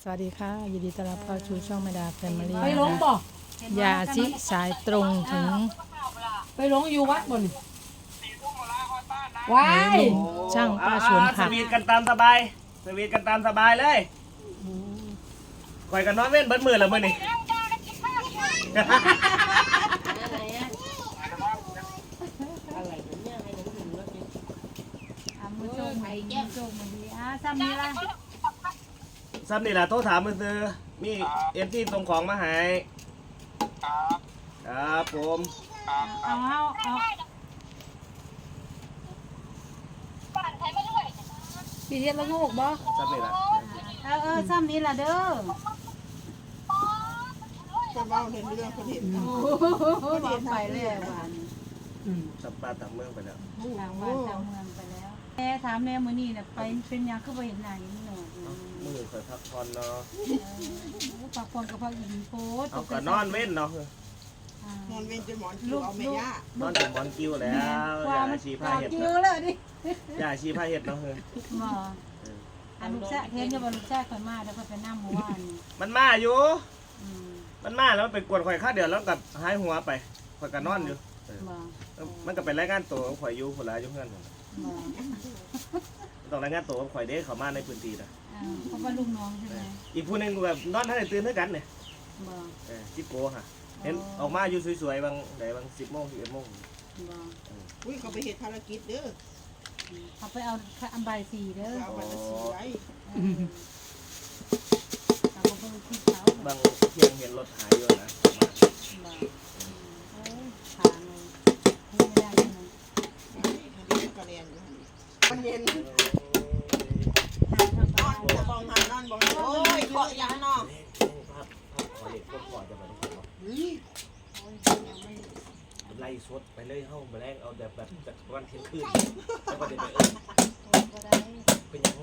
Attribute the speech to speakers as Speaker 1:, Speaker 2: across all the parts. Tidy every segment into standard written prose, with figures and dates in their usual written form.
Speaker 1: สวัสดีค่ะยินดีต้อนรับเข้าสู่ช่องแม่ดาแฟมิลี่
Speaker 2: ไปลงบ่
Speaker 1: ยาชิสายตรงถึง
Speaker 2: ไปลงอยู่วัดบ่นี่ว้าย
Speaker 1: ช่างป้าสวน
Speaker 3: ส
Speaker 1: ผัก
Speaker 3: วีทกันตามสบายสวีทกันตามสบายเลยคอยกันนอนเว้นเบิดมือแล้วมื้อนี้
Speaker 4: มือโจมมือโจมมือดีซ้ำนี่ละ
Speaker 3: ซ้ำนี่ล่ะโทรถามมือซื้อมีที่ส่งของมาให้ครับผม
Speaker 4: เอาพี่เรียกละงูกบ่
Speaker 3: ซ้ำนี่ล่ะ
Speaker 4: ซ้ำนี่ละเด้อ
Speaker 5: ก็เบ้าเห็นเรื่องคนเห็น
Speaker 4: บอกไปแล้ววัน
Speaker 3: สับปลาตามเมืองไปแล้ว
Speaker 4: ทางบ้านทางเมืองไปแล้วแม่ถามแม่มื้อนี้น่ะไปเป็นยังคือบ่เห็นหน้านี่หนอด
Speaker 3: มือคอยพักผ่อนเนาะ
Speaker 4: ปากปนกับพักอินโพส
Speaker 3: เอาก็นอนเว้นเนาะ
Speaker 5: นอนเว้นจนหมอนคิวเอาไม่ยาก
Speaker 3: นอนถึงบอลกิ้วแล้วอย่าชีผ้าเห็ด
Speaker 4: คิวเลยดิ
Speaker 3: อย่าชีผ้าเห็ดเนาะเฮ้ย
Speaker 4: บ่อันลูกชายเห็นจะบ่ลูกชายข่อยมาแล้วก็ไปนำเมื่อวาน
Speaker 3: มันมาอยู่มันมาแล้วไปกวนข่อยข้าเดือดแล้วกับหายหัวไปข่อยก็นอนอยู่
Speaker 4: บ่
Speaker 3: มันก็เป็นรายงานตัวของข่อยอยู่คนละอยู่เพื่อนผม
Speaker 4: บ่
Speaker 3: ต้องรายงานตัวของข่อยเด้เขามาในพื้นที่นะ
Speaker 4: เพราะว่าลูกน้องใช่ไหม
Speaker 3: อีกผู้หนึงแบบนอนท่านได้ตื่นด้วยกันเนี่ย
Speaker 4: บ่
Speaker 3: จิโก้ค่ะเห็นออกมาอยู่สวยๆบางไหนบาง10 โมง11 โมง
Speaker 4: บ่
Speaker 5: อุ้ยเขาไปเหตุภารกิจเด้อ
Speaker 4: เขาไปเอาอันใบสีเด้อ
Speaker 5: เอาวันละสี่ไว้
Speaker 4: เขาก็ไปที่เขา
Speaker 3: บางเที่ยงเห็นรถหายอยู่นะ
Speaker 4: บ่ทางเลยไม่ได้ใช่ไหม
Speaker 5: กระเรียนมันเย็น
Speaker 4: ทาง
Speaker 5: นอนจะบองหันนอนบองโอ้ยเกาะยังนอน
Speaker 3: ภาพขอเด็กพวกก่อนจะมาต้องเนาะไล่สดไปเลยเฮ้ามาแรงเอาแบบจากวันเที่ยงคืนแล้วก็เดี๋ยวไปเป็นยัง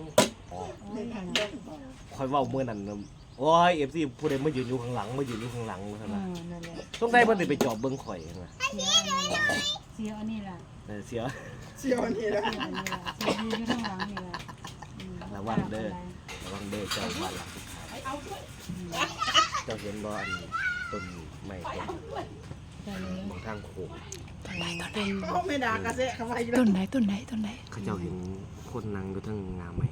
Speaker 3: คอยว่าเมื่อนั้นโอ้ยFCผู้ใดมายืนอยู่ข้างหลังมายืนอยู่ข้างหลังใช่ไหมต้องได้เพิ่นไปจอบเบิ่งข่อยใช่ไหม
Speaker 4: เสียอันนี้ล่ะ
Speaker 3: เสีย
Speaker 5: เชียวนี่แหละ
Speaker 4: อันนี้ล่ะเสียอยู่ข้างหลังนี่ล่ะ
Speaker 3: ระวังเด้อเจ้าบ้านหลังเจ้าเห็นบ่อันต้นไม้ต้นทางโค้ง
Speaker 5: เขาไม่ด่ากระเซะเขาไปอยู่
Speaker 1: ต้นไหน
Speaker 3: เขาเจ้าเห็นคนนั่งอยู่ทั้งงาไม้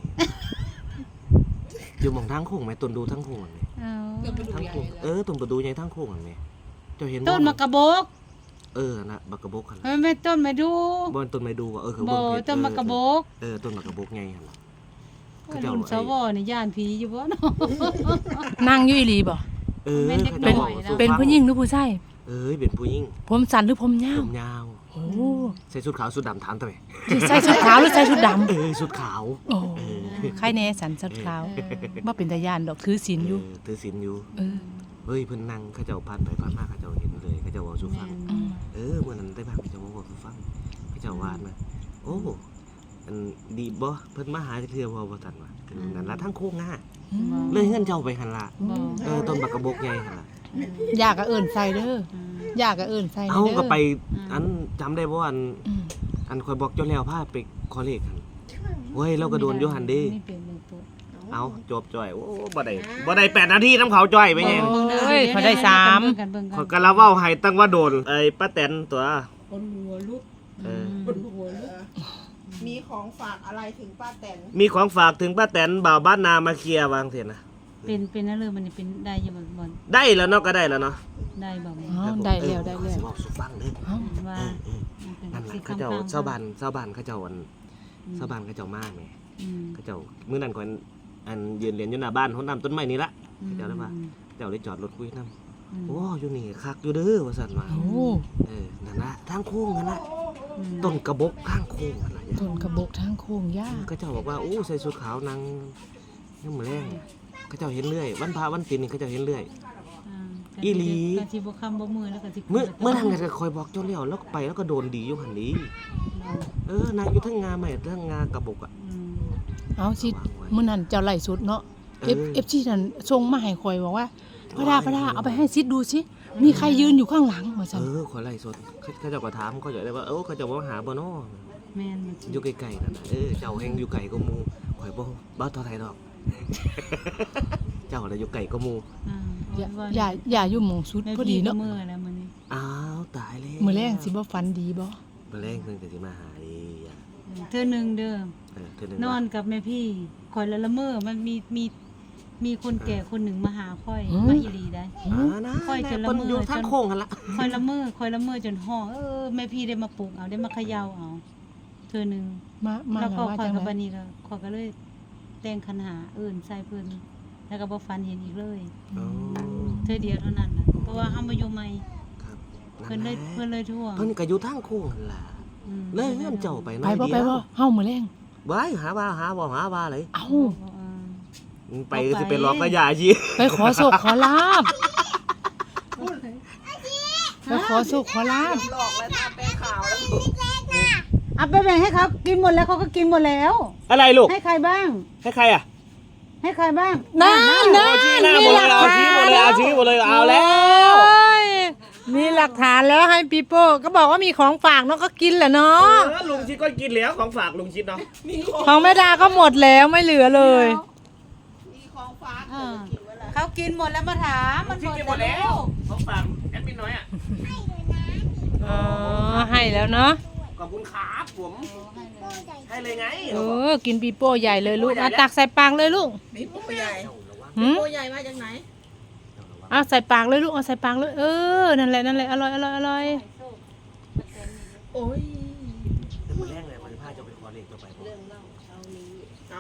Speaker 3: อยู่หมองทางโค้งไหมต้นดูทางโค้งอันนี้
Speaker 4: เอา
Speaker 3: ทางโค้งต้นประตูใหญ่ทางโค้งอันนี้เจ้าเห็นบ่
Speaker 4: ต้นมะกระบก
Speaker 3: น่ะบักกะบกหั่น
Speaker 4: มันไม่ต้นมาดู
Speaker 3: บ่ต้นไม้ดูว่าคือ
Speaker 4: บ่
Speaker 3: เบิ่งเพชร
Speaker 4: ต้นมะกระบก
Speaker 3: ต้นมะกะบกใหญ่หั่นล่ะ
Speaker 4: รุ่นสวนี่ย่านผีอยู่บ่เนาะ
Speaker 1: นั่งอยู่อีหลีบ่
Speaker 4: เป็นเด็กน้
Speaker 3: เป็น
Speaker 4: อยนะ
Speaker 1: เป็นผู้หญิงหรือผู้ชาย
Speaker 3: เป็นผู้หญิง
Speaker 1: ผมสั้นหรือผมยา
Speaker 3: ผ
Speaker 1: ว
Speaker 3: มยาว
Speaker 1: โอ้
Speaker 3: ใส่ชุดขาวชุดดำถามทำไม
Speaker 1: ใส่ชุดขาวหรือใส่ชุดด
Speaker 3: ชุดขาว
Speaker 1: ำโอ้ใครแน่สันชุดขาวบ่เป็นตาย่านดอกถือศีลอยู่
Speaker 3: ถือศีลอยู่
Speaker 1: เออ
Speaker 3: เฮ้ยเพิ่นนั่งเขาเจ้าผ่านไปผ่านมาเขาเจ้าเห็นเลยเขาเจ้าเว้าสู่ฟัง
Speaker 1: อืม
Speaker 3: เมื่อนั้นได้บ้างเขาเจ้าเว้าสู่ฟังเขาเจ้าว่านะโอ้อันดีบ่เพิ่นมาหาจักเทื่อบ่ทันว่านั่นล่ะทางโค้งหน้าเลยเฮือนเจ้าไปหั่นล่ะ
Speaker 4: บ่
Speaker 3: ต้นบักกะบกใหญ่หั่นล่ะ
Speaker 1: อยากก็เอิ้นใส่เด้ออยากก็เอิ้นใส่
Speaker 3: เอา
Speaker 1: เด้อ
Speaker 3: ก็ไปอันจำได้บ่อัน
Speaker 1: อืม
Speaker 3: อันข่อยบอกเจ้าแล้วพาไปขอเลขหั่นเว้ยเราก็โดนอยู่หั่นเด้
Speaker 4: นี่เป็นหนึ่งตัว
Speaker 3: เอาจบจ่อยโอ้บ่ได้8 นาทีน้ำเขาจ่อยไปไง
Speaker 1: โอ้ยเขาได้3
Speaker 3: ขอยก็ละเว้าให้ตั้งว่าโดนไอ้ป้าแตนตัว
Speaker 2: คนหัวลุก
Speaker 5: คนหัวมีของฝากอะไรถึงป้าแตน
Speaker 3: มีของฝากถึงป้าแตนบ่าวบ้านนามาเคลียร์วางเถอะนะ
Speaker 4: เป็นนั่นเลยมันเป็นได้ยังบ่
Speaker 3: ได้แล้วเนาะก็ได้แล้วเนาะ
Speaker 4: ได้บ่
Speaker 1: อ๋อได้แล้ว
Speaker 3: สิเว้าสู่ฟังเด้อ
Speaker 4: ว่า
Speaker 3: นั่นล่ะเขาเจ้าชาวบ้านเขาเจ้าอันชาวบ้านเขาเจ้ามาแหมเขาเจ้ามื้อนั้นก่อนอันยืนเรียนอยู่หน้าบ้านเฮานํต้นไม้นี่ละเจ้าได้ว่าเจ้าได้จอดรถคุยนํโอ้อยู่นี่คักอยู่เด้อว่าซั่นว่า
Speaker 1: โอ้
Speaker 3: นั่นล่ะทางโค้งนั่นล่ะต้นกระบกข้างโค้งนั่นล่ะ
Speaker 1: ต้นกระบอกทางโค้งยาก
Speaker 3: เขาเจ้าบอกว่าโอ้ใส่ชุดขาวนางยังมื้อแรงเขาเจ้าเห็นเรื่อยวันพระวันศีลนี่เขาเจ้าเห็นเรื่อย อีหลี
Speaker 4: ก็สิบ่คำบ่มือแล้วก็สิ
Speaker 3: เมื่อนั้นก็คอยบอกเจ้าแล้วไปแล้วก็โดนดีอยู่หั่นนี้นางอยู่ทั้งงาใหม่ทั้งงากระบกอ่ะ
Speaker 1: เอาสิมื้อนั้นเจ้าไล่สุดเนาะ FC นั่นส่งมาให้ข่อยบอกว่าพระดาเอาไปให้ซิดดูสิมีใครยืนอยู่ข้างหลังว่าซั่น
Speaker 3: ขอไล่สดเขาเจ้าก็ถามเขาเจ้าได้ว่าเขาเจ้าว่าหาบ่เนาะ
Speaker 4: แม่น
Speaker 3: อยู่ไกลๆนั่นน่ะเจ้าแห่งอยู่ไกลก็หมู่ข่อยบ่เท่าไทยดอกเจ้าน่ะอยู่ไก่ก็หมู่
Speaker 1: อย่าอยู่หม่องสุดพอดีเนาะ
Speaker 4: มื้อแล้วมื้อนี้
Speaker 3: อ้าวตายแล้ว
Speaker 1: มื้อแรงสิบ่ฝันดีบ่
Speaker 3: มื้อแรงเพิ่นก็สิมาหาดีอ่ะ
Speaker 4: เธอหนึงเด้อ
Speaker 3: เทื่อนึง
Speaker 4: นอนกับแม่พี่คอยละเมอมันมีคนแก่คนหนึ่งมาหาค่อยมาอีหลีได้
Speaker 3: นะ
Speaker 4: ค่อยจะละ
Speaker 3: เพิ่น
Speaker 4: เมอ
Speaker 3: อยู่ทางโค้งหั่นล่ะ
Speaker 4: คอยละเมอจนห้องแม่พี่ได้มาปลุกเอาได้มาเขย่าเอาเธอหนึง
Speaker 1: มา
Speaker 4: แล้วก็
Speaker 1: ว่า
Speaker 4: คอย
Speaker 1: จัง
Speaker 4: กับ
Speaker 1: ได๋
Speaker 4: บันนี้ก็คอยก็เลยแต่งคันหาใส่เพิ่นแล้วก็บ่ฟันเห็นอีกเลย
Speaker 3: อ๋อ
Speaker 4: เธอเดียวเท่านั้นน่ะเพราะว่าเฮามาอยู่ใหม่
Speaker 3: ครับ
Speaker 4: เพิ่นเลยทั่ว
Speaker 3: เพิ่นก็อยู่ทางโค้งหั่นล่ะเลยเฮือนเจ้าไปหน่
Speaker 1: ไป
Speaker 3: อย
Speaker 1: บ่
Speaker 3: เดี
Speaker 1: ไป
Speaker 3: ยว
Speaker 1: บ่เฮามื้อแรง
Speaker 3: ไว้หาว่าเลย
Speaker 1: เอ้า
Speaker 3: ไปก็สิเป็นหลอกกระยาชี
Speaker 1: ไปขอโชคขอลาบไปขอโชคขอลาบ
Speaker 5: หลอกแล้วทำเป็นข่าวแล้ว
Speaker 4: เอาไปแบ่งให้เขากินหมดแล้วเขาก็กินหมดแล้ว
Speaker 3: อะไรลูก
Speaker 4: ให้ใครบ้าง
Speaker 3: ให้ใครอ่ะ
Speaker 4: ให้ใครบ้าง
Speaker 1: นั่น
Speaker 3: เอาชี้หน้าหมดเลยเอาชี้หมดเลยเอาชี้หมดเลยเอาแล้ว
Speaker 1: โอ้ยมีหลักฐานแล้วให้ปีโป้ก็บอกว่ามีของฝากเนาะก็กินแหละเนาะ
Speaker 3: ลุงชิดก็กินแล้วของฝากลุงชิดเนาะ
Speaker 1: ของแม่ดาก็หมดแล้วไม่เหลือเลย
Speaker 5: มีของฝาก
Speaker 4: เออ
Speaker 5: กินไว้แล้ว
Speaker 4: เขากินหมดแล้วมาถามมันหมดแล้ว
Speaker 3: ของฝากแอดมินน้อยอ่ะ
Speaker 1: อ๋อให้แล้วเนาะ
Speaker 3: ขอบคุณครับผมให้เลยไง
Speaker 1: กินปีโป้ใหญ่เลยลูกเอาตักใส่ปากเลยลูก
Speaker 5: มีโปใหญ่
Speaker 1: หืม
Speaker 5: โปใหญ่มาจากไหน
Speaker 1: เอาใส่ปากเลยลูกเอาใส่ปากเลยนั่นแหละอร่อยอร่อย
Speaker 5: โอ้ย
Speaker 3: แต่คนแรกเลยมันพาจะไปขอเลขต่อไปผม
Speaker 5: เอา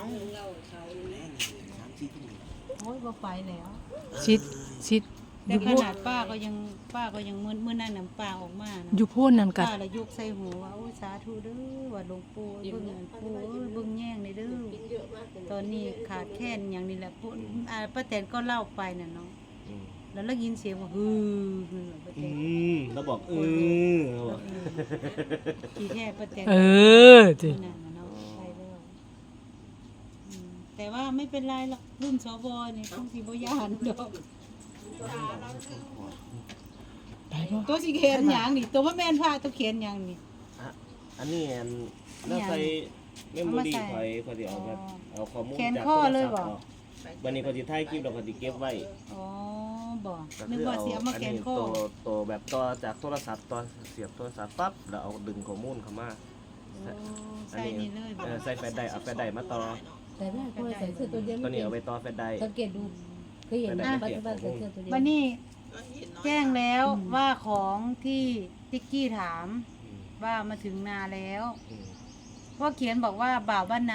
Speaker 4: โอ้ยบ่ไปแล้ว
Speaker 1: ชิด
Speaker 4: แต่ขนาดป้าก็ยังมื้อนั้นน่ะป้าออกมานะ
Speaker 1: อยู่โพ่นนั่นกั
Speaker 4: ป้าละยกใส่หูว่าโอ้ยสาธุเด้อว่าหลวงปู่เบิ่งอันปู่เบิ่งแย่งในเด้อตอนนี้ขาดแคลนอย่างนี้แหละปู่ป้าแตนก็เล่าไปน่ะเนาะแล้วได้ยินเสียงว่าฮือป้าแตน
Speaker 3: เราบอกเราบอก
Speaker 4: ขี้แท้ป้าแตน
Speaker 1: จิ
Speaker 4: นั่นน่ะเนาะไปแล้วแต่ว่าไม่เป็นไรหรอกรุ่นสวนี่ต้องสิบ่ย่านดอก
Speaker 1: ไปบ่
Speaker 4: ตัวสิเขียนหยังนี่ตัวว่าแม่นพาตัวเขียนหยังนี่
Speaker 3: อันนี้น่าใส่เมมโมรี่คอยเดี๋ยวเอาข้อมูลจากโทรศัพท์วันนี้เขาจะถ่ายคลิปเราเขาจะเก็บไว้
Speaker 4: อ๋อบ่นึกว่าสิเอามาแขนคอ
Speaker 3: ตัวแบบต่อจากโทรศัพท์ต่อเสียบโทรศัพท์ปั๊บแล้วเอาดึงข้อมูลเข้ามา
Speaker 4: ใส่นี่เลยบ่
Speaker 3: ใส่แฟลชไดร์เอาแฟลชไดร์มาต่อ
Speaker 6: แต่แม่ก็ใส่เสื้อตัวเดียว
Speaker 3: ตัวนี้เอาไปต่อแฟลชไดร์
Speaker 6: สังเกตดูเคยเห็นไหมปัจจุบันใส่เสื้อตัวเดียว
Speaker 4: วันนี้แจ้งแล้วว่าของที่ติ๊กกี้ถามว่ามาถึงนาแล้วว่าเขียนบอกว่าบ่าวบ้านนา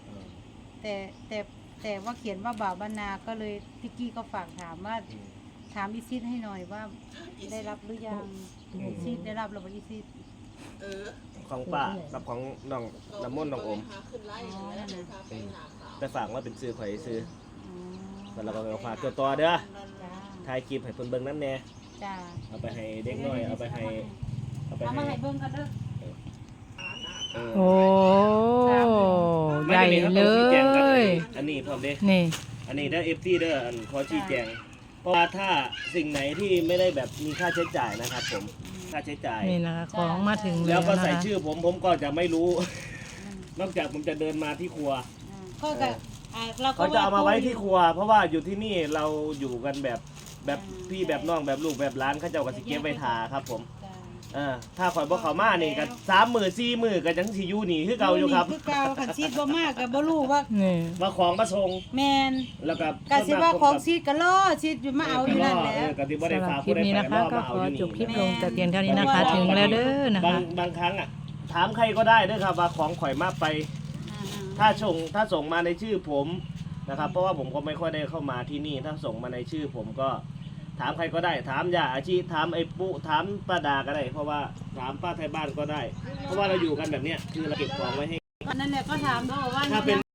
Speaker 4: แต่ว่าเขียนว่าบ่าวบ้านนาก็เลยติ๊กกี้ก็ฝากถามว่าถามอีซิดให้หน่อยว่าได้รับหรือยังอีซิดได้รับหรือเปล่าอีซิด
Speaker 5: เออ
Speaker 3: ของป้ากับของน้องน้ำมนต์น้องอม
Speaker 5: พาขึ้นไล่แล้วเดี๋ยวพาไปหาข่าว
Speaker 3: แต่ฝากว่าเป็นซื้อข่อยซื้อ
Speaker 4: อ๋อ
Speaker 3: แล้วเราก็เอาฝากเกี่ยวต่อเด้อ
Speaker 4: จ้า
Speaker 3: ถ่ายคลิปให้เพิ่นเบิ่งนั่นแน่
Speaker 4: จ้า
Speaker 3: เอาไปให้เด็กน้อยเอาไปให้
Speaker 4: เอามาให้เบิ่งกันเด้อ
Speaker 1: โอ้ใหญ่เลย
Speaker 3: อันนี้พร้อมเด้
Speaker 1: นี่
Speaker 3: อันนี้เด้อ FT เด้ออันขอชี้แจงเพราะว่าถ้าสิ่งไหนที่ไม่ได้แบบมีค่าใช้จ่ายนะครับผมค่าใช้จ่าย
Speaker 1: นี่นะคะของมาถึง
Speaker 3: แล้
Speaker 1: แล้ว ว
Speaker 3: ก็
Speaker 1: นะ
Speaker 3: ใส่
Speaker 1: คะ
Speaker 3: ชื่อผมก็จะไม่รู้ นอกจากผมจะเดินมาที่ครัว
Speaker 4: ก็จะเราก็
Speaker 3: เขาจะเอามาไว้ที่ครัว เพราะว่าอยู่ที่นี่เราอยู่กันแบบพี่แบบน้องแบบลูกแบบร้านเขาเจ้าก็สิเก็บไว้ทาครับผมถ้าข่อยบ่เข้ามานี่ก็3 มื้อ4 มื้อก็จังสิอยู่นี่คือเก่าอยู่ครับ
Speaker 4: คือเก่าคันซีดบ่มากก็บ่รู้ว่า
Speaker 1: นี่
Speaker 3: มาของมาส่ง
Speaker 4: แม่น
Speaker 3: แล้วก็
Speaker 4: ก็สิว่าของซีดก็รอซีดอยู่มาเอาอยู่นั่นแหละ
Speaker 3: ก็สิบ่ได้
Speaker 1: สำหรับ
Speaker 3: ฝาก
Speaker 1: คลิ
Speaker 3: ผู้
Speaker 1: ป
Speaker 3: ใด
Speaker 1: นี้
Speaker 3: ไป
Speaker 1: นะคะ
Speaker 3: รอ
Speaker 1: ก็
Speaker 3: มา
Speaker 1: ข
Speaker 3: เอา
Speaker 1: อ
Speaker 3: อยู่
Speaker 1: จบคลิ
Speaker 3: นี่
Speaker 1: ปลงแต่เพียงเท่านี้นะคะ ถึงแล้วเด้อนะคะ
Speaker 3: บางครั้งถามใครก็ได้เด้อครับว่าของข่อยมาไป ถ้าส่งมาในชื่อผมนะครับ เพราะว่าผมก็ไม่ค่อยได้เข้ามาที่นี่ ถ้าส่งมาในชื่อผมก็ถามใครก็ได้ ถามย่าอาชีถามไอ้ปุ๊ถามป้าดาก็ได้ เพราะว่าถามป้าไทยบ้านก็ได้ เพราะว่าเราอยู่กันแบบเนี้ยคือเราเก็บของไว้ให้
Speaker 4: นั่นแหละก็ถามเขาว่า
Speaker 3: ถ้าเป็น